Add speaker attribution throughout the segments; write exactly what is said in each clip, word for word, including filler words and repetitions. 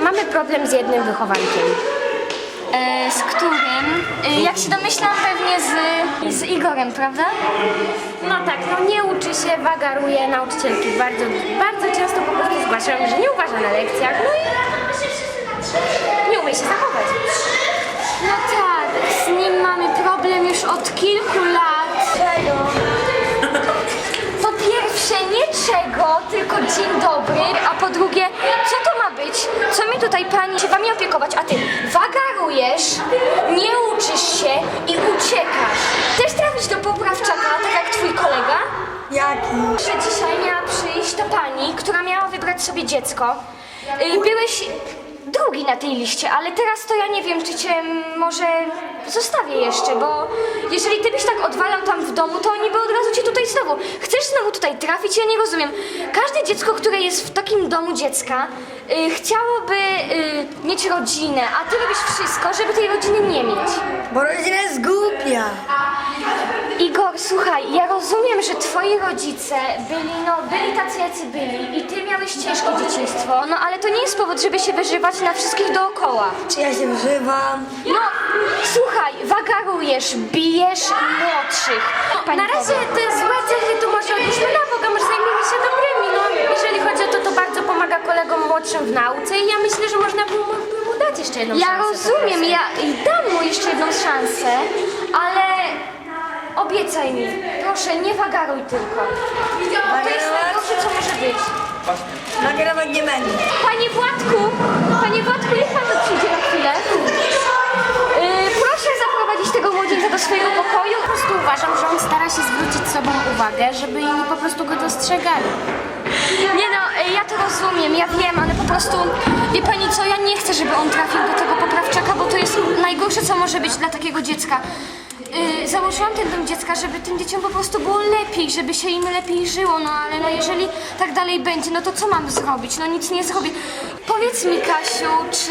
Speaker 1: mamy problem z jednym wychowankiem.
Speaker 2: E, z którym? E, jak się domyślam, pewnie z, z Igorem, prawda?
Speaker 1: No tak, no nie uczy się, wagaruje, nauczycielki bardzo, bardzo często po prostu zgłaszają, że nie uważa na lekcjach, no i nie umie się zachować.
Speaker 2: No tak, z nim mamy problem już od kilku lat. Po pierwsze nie czego, tylko dzień dobry, a po drugie, co to ma być? Co mi tutaj pani się wami opiekować, a ty wagarujesz, nie uczysz się i uciekasz. Chcesz trafić do poprawczaka, tak jak twój kolega?
Speaker 3: Jaki?
Speaker 2: Że dzisiaj miała przyjść ta pani, która miała wybrać sobie dziecko. Y, Byłeś drugi na tej liście, ale teraz to ja nie wiem, czy cię może zostawię jeszcze, bo jeżeli ty byś tak odwalał tam w domu, to oni by od razu cię tutaj znowu. Chcesz znowu tutaj trafić? Ja nie rozumiem. Każde dziecko, które jest w takim domu dziecka, y, chciałoby y, mieć rodzinę, a ty robisz wszystko, żeby tej rodziny nie mieć.
Speaker 3: Bo rodzina jest głupia.
Speaker 2: Igor, słuchaj, ja rozumiem, że twoi rodzice byli, no, byli tacy, jacy byli i ty miałeś ciężkie dzieciństwo, no ale to nie jest powód, żeby się wyżywać na wszystkich dookoła.
Speaker 3: Czy ja się wżywam?
Speaker 2: No, słuchaj, wagarujesz, bijesz młodszych. Pani
Speaker 1: Na razie
Speaker 2: powie.
Speaker 1: te złe cechy to może odłóżmy na boga, może zajmiemy się dobrymi, no jeżeli chodzi o to, to bardzo pomaga kolegom młodszym w nauce i ja myślę, że można by mu, by mu dać jeszcze jedną
Speaker 2: Ja
Speaker 1: szansę. po
Speaker 2: rozumiem,
Speaker 1: prostu.
Speaker 2: ja i dam mu jeszcze jedną szansę, ale obiecaj mi, proszę, nie wagaruj tylko. To jest najgorsze, co może być.
Speaker 3: Nagrywać nie będę.
Speaker 2: Panie Władku, panie Władku, niech pan tu przyjdzie na chwilę. Yy, proszę zaprowadzić tego młodzieńca do swojego pokoju.
Speaker 1: Po prostu uważam, że on stara się zwrócić sobą uwagę, żeby inni po prostu go dostrzegali.
Speaker 2: Nie no, y, ja to rozumiem, ja wiem, ale po prostu, wie pani co, ja nie chcę, żeby on trafił do tego poprawczaka, bo to jest najgorsze, co może być dla takiego dziecka. Yy, założyłam ten dom dziecka, żeby tym dzieciom po prostu było lepiej, żeby się im lepiej żyło, no ale no jeżeli tak dalej będzie, no to co mam zrobić? No nic nie zrobię. Powiedz mi, Kasiu, czy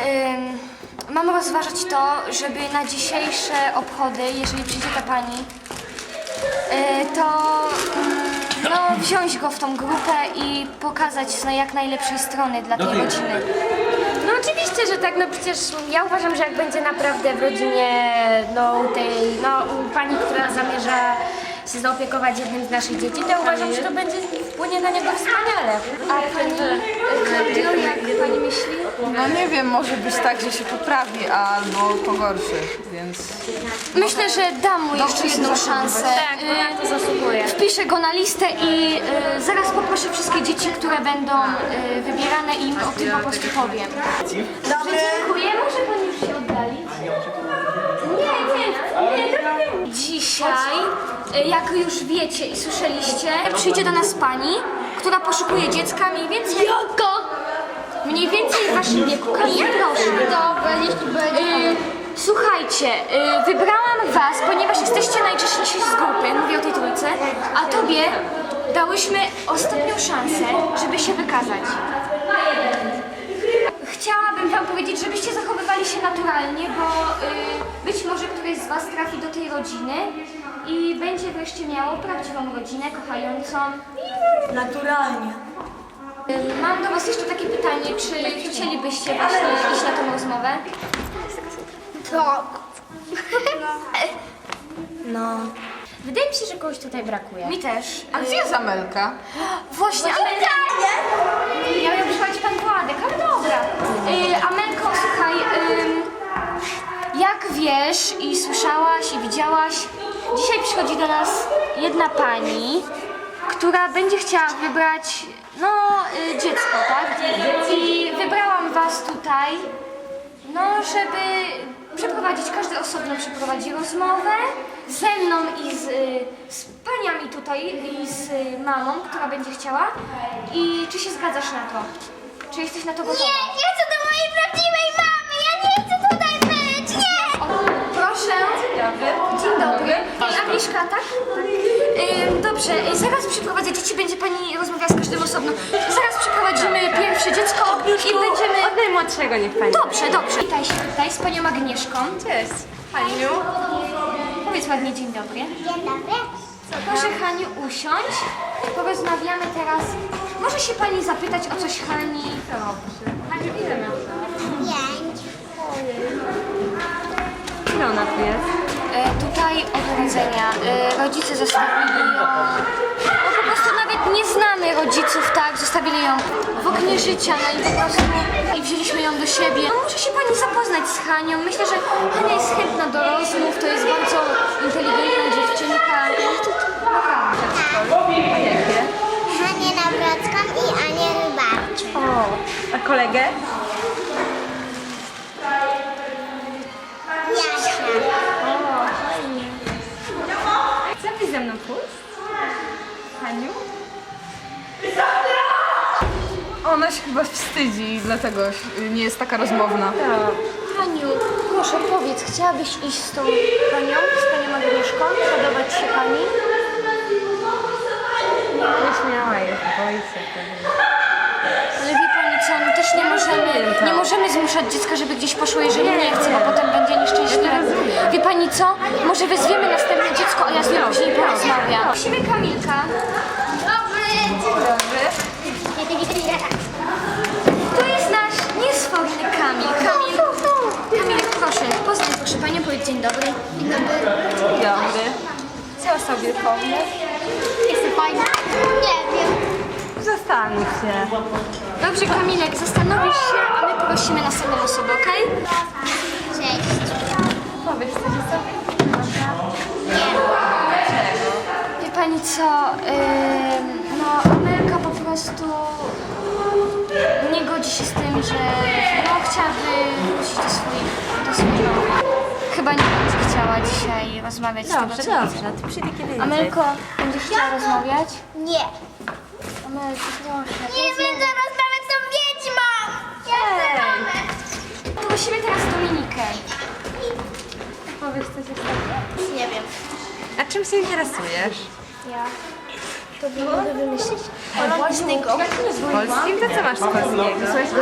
Speaker 2: yy, mam rozważać to, żeby na dzisiejsze obchody, jeżeli przyjdzie ta pani, yy, to yy, no wziąć go w tą grupę i pokazać z jak najlepszej strony dla tej rodziny.
Speaker 1: No oczywiście, że tak, no przecież ja uważam, że jak będzie naprawdę w rodzinie, no tej, no pani, która zamierza się zaopiekować jednym z naszych dzieci, to ja uważam, że to będzie wpłynie na niego wspaniale.
Speaker 2: A pani, Klaudio, jak pani myśli?
Speaker 4: No nie wiem, może być tak, że się poprawi albo pogorszy, więc...
Speaker 2: Myślę, że dam mu jeszcze jedną szansę.
Speaker 1: Tak, bo na to zasługuje.
Speaker 2: Wpiszę go na listę i y, zaraz poproszę wszystkie dzieci, które będą y, wybierane i im o tym po prostu powiem.
Speaker 3: Dobry.
Speaker 2: Dziękuję, może pani już się oddalić? Nie, nie, nie, nie. Dzisiaj, y, jak już wiecie i słyszeliście, przyjdzie do nas pani, która poszukuje dziecka mniej więcej... Jaka? Mniej więcej w waszym wieku. Kamila, proszę. Dobra, jeśli będzie... Słuchajcie, y, wybrałam was, ponieważ jesteście najczęściej z grupy, mówię o tej trójce, a tobie dałyśmy ostatnią szansę, żeby się wykazać. Chciałabym wam powiedzieć, żebyście zachowywali się naturalnie, bo y, być może któryś z was trafi do tej rodziny i będzie wreszcie miało prawdziwą rodzinę, kochającą.
Speaker 3: Naturalnie.
Speaker 2: Y, Mam do was jeszcze takie pytanie, czy chcielibyście właśnie iść na tą rozmowę?
Speaker 1: Tak.
Speaker 3: No.
Speaker 1: Wydaje mi się, że kogoś tutaj brakuje.
Speaker 2: Mi też.
Speaker 4: A gdzie jest Amelka?
Speaker 2: Właśnie, Amelka! Ja miał przychodzić pan Władek, ale dobra. Yy, Amelko, słuchaj, ym, jak wiesz i słyszałaś i widziałaś, dzisiaj przychodzi do nas jedna pani, która będzie chciała wybrać, no, y, dziecko, tak? I wybrałam was tutaj, no, żeby przeprowadzić, każdy osobno przeprowadzi rozmowę ze mną i z, y, z paniami tutaj i z y, mamą, która będzie chciała. I czy się zgadzasz na to? Czy jesteś na to gotowa?
Speaker 5: Nie, nie chcę do mojej prawdziwej mamy! Ja nie chcę tutaj być! Nie!
Speaker 2: O, proszę. Dzień dobry. Dzień dobry. Agnieszka, tak? Ym, dobrze, y, zaraz przyprowadzę dzieci, będzie pani rozmawiała z każdym osobno. Zaraz przyprowadzimy pierwsze dziecko i będziemy...
Speaker 1: Od najmłodszego niech pani.
Speaker 2: Dobrze, dobrze. Witaj się tutaj z panią Agnieszką.
Speaker 1: Cześć. Haniu.
Speaker 2: Powiedz ładnie dzień dobry.
Speaker 5: Dzień dobry.
Speaker 2: Proszę Haniu usiąść. Porozmawiamy teraz. Może się pani zapytać o coś Hani?
Speaker 1: Dobrze.
Speaker 5: Pięć.
Speaker 4: Ile ona tu jest?
Speaker 2: E, tutaj od urodzenia e, rodzice zostawili ją, no po prostu nawet nie znamy rodziców, tak, zostawili ją w oknie życia, no i po prostu i wzięliśmy ją do siebie. No, może się pani zapoznać z Hanią, myślę, że Hania jest chętna do rozmów, to jest bardzo inteligentna dziewczynka. Naprawdę.
Speaker 4: A jakie?
Speaker 5: Hanię Nawrocką i Anię Rybarczuk.
Speaker 4: O, a kolegę?
Speaker 5: Jasia.
Speaker 4: Chcesz ze mną pójść? Haniu? Ona się chyba wstydzi i dlatego nie jest taka rozmowna.
Speaker 2: Haniu, proszę powiedz, chciałabyś iść z tą panią, z panią Agnieszką? Podobać się pani?
Speaker 4: Nieśmiała jest, boi się tego.
Speaker 2: Ale wie pani co, no też nie możemy, nie możemy zmuszać dziecka, żeby gdzieś poszło, jeżeli nie chce, bo potem będzie nieszczęśliwe. Wie pani co? Może wezwiemy następne dziecko, a ja z nią później porozmawiam. Prosimy Kamilka.
Speaker 5: Dobry.
Speaker 4: Dobry.
Speaker 2: To jest nasz niesforny Kamil. Kamil, Kamil, proszę, poznaj proszę panią, powiedz dzień dobry. Dzień dobry.
Speaker 4: Dobry. Co sobie pomniesz?
Speaker 5: Jestem fajna. Nie wiem.
Speaker 4: Zastanów się.
Speaker 2: Dobrze Kamilek, zastanowisz się, a my prosimy następną osobę, okej?
Speaker 5: Cześć.
Speaker 4: Powiedz coś sobie.
Speaker 2: Wie pani co, ym, no Amelka po prostu nie godzi się z tym, że no, chciałaby wrócić do swoich, do swojego. Chyba nie będzie chciała dzisiaj rozmawiać z tego, co
Speaker 4: dobrze. Ty przyjdę kiedy indziej.
Speaker 2: Amelko, będziesz chciała rozmawiać?
Speaker 5: Nie.
Speaker 2: Amelko, proszę.
Speaker 5: Nie będę rozmawiać z tą wiedźmą. Ja chcę rozmawiać.
Speaker 2: Prosimy teraz Dominikę.
Speaker 4: Powiedz coś sobie.
Speaker 5: Nie wiem.
Speaker 4: A czym się interesujesz?
Speaker 2: Ja. To by mogę wymyślić?
Speaker 5: Polskiego.
Speaker 4: Polskim? To co masz z polskiego?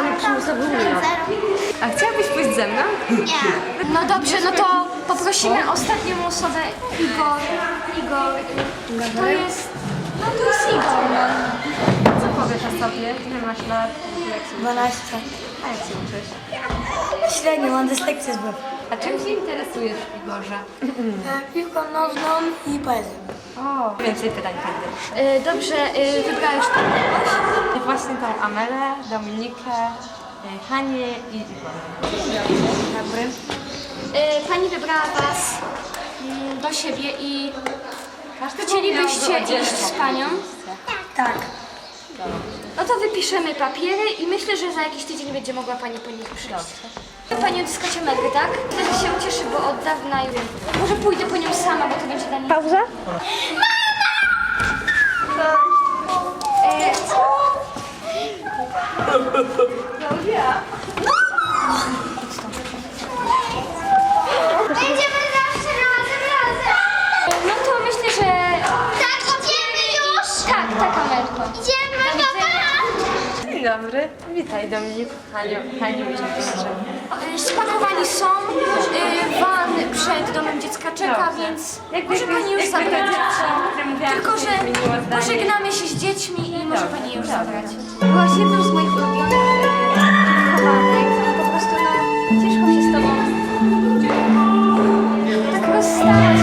Speaker 4: A chciałabyś pójść ze mną?
Speaker 5: Nie.
Speaker 2: No dobrze, no to poprosimy ostatnią osobę, Igor. Igor, to jest, no to jest Igor, no.
Speaker 4: Co powiesz o sobie? Ile masz lat? Jak się
Speaker 3: dwanaście.
Speaker 4: A jak się uczysz?
Speaker 3: Średnio, mam dyslekcję z głowy.
Speaker 4: A czym się interesujesz, Igorze?
Speaker 3: Piłką nożną i poezją.
Speaker 4: O, więcej pytań będę.
Speaker 2: Y, dobrze, y, wybrałeś pan kogoś?
Speaker 4: Właśnie tą Amelę, Dominikę, y, Hanię i Igora. Dobry.
Speaker 2: Y, pani wybrała was mm, do siebie i chcielibyście iść z panią?
Speaker 3: Tak.
Speaker 2: No to wypiszemy papiery i myślę, że za jakiś tydzień będzie mogła pani po nich przyjść. Pani odzyskać Amelkę, tak? Wtedy się ucieszy, bo od dawna już... Może pójdę po nią sama, bo to będzie dla niej... Pauza? E,
Speaker 5: Będziemy zawsze razem, razem.
Speaker 2: no to myślę, że...
Speaker 5: Tak, idziemy już.
Speaker 2: Tak, tak Amelko.
Speaker 5: Idziemy, papa.
Speaker 4: Dzień dobry. Witaj Dominiku, Haniu, Haniu i Igorze.
Speaker 2: E, Spakowani są, e, van przed domem dziecka czeka, więc może pani już zabrać dzieci. Tylko, że pożegnamy się z dziećmi i może pani je już zabrać. Byłaś jedną z moich ulubionych e, wychowanek i po prostu no, ciężko się z tobą tak rozstać.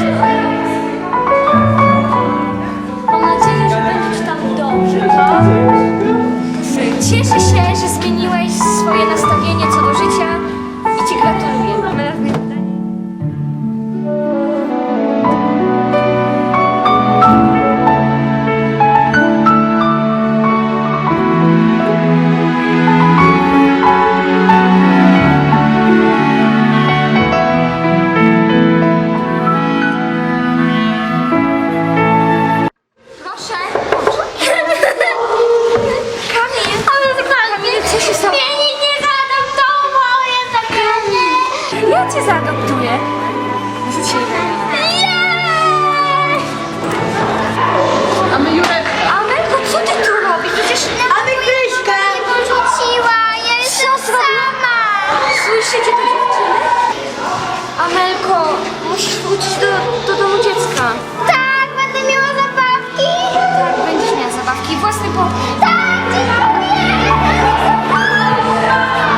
Speaker 2: Mam nadzieję, że będziesz tam dobrze, co? Cieszę się, że zmieniłeś swoje nastawienie co do życia i ci gratuluję. Proszę. Kamil, Kamil, co się stało?
Speaker 5: Mnie nikt nie zaadoptował, jest nagrane.
Speaker 2: Ja cię zaadoptuję. Rzuć się
Speaker 5: Nie!
Speaker 4: A my Jurek...
Speaker 2: Amelko, co ty tu robisz? Przecież...
Speaker 3: A my Kryśkę!
Speaker 5: Nie porzuciła, ja jestem sama.
Speaker 2: Słyszycie to dziewczyny? Amelko, musisz wrócić do, do domu dziecka.
Speaker 5: Tak, będę miała zabawki.
Speaker 2: Tak, będziesz miała zabawki. Własny pokój.
Speaker 5: Tak, dziękuję.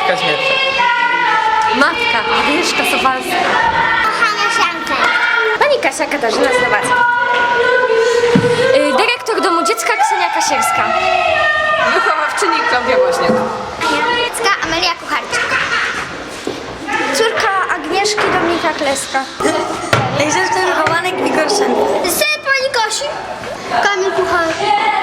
Speaker 6: Kaźmierczak.
Speaker 4: Matka Agnieszka Sowalska.
Speaker 5: Kochana Sianka.
Speaker 2: Pani Kasia Katarzyna Znowacka. Y, dyrektor Domu Dziecka Ksenia Kasierska.
Speaker 4: Wychowawczyni Klaudia Woźniak.
Speaker 5: Dziecka Amelia Kucharczyk.
Speaker 2: Córka Agnieszki Dominika Kleska.
Speaker 3: Egzystny wychowanek Igor Sen.
Speaker 5: Syn pani Kosi. Kamil Kucharczyk.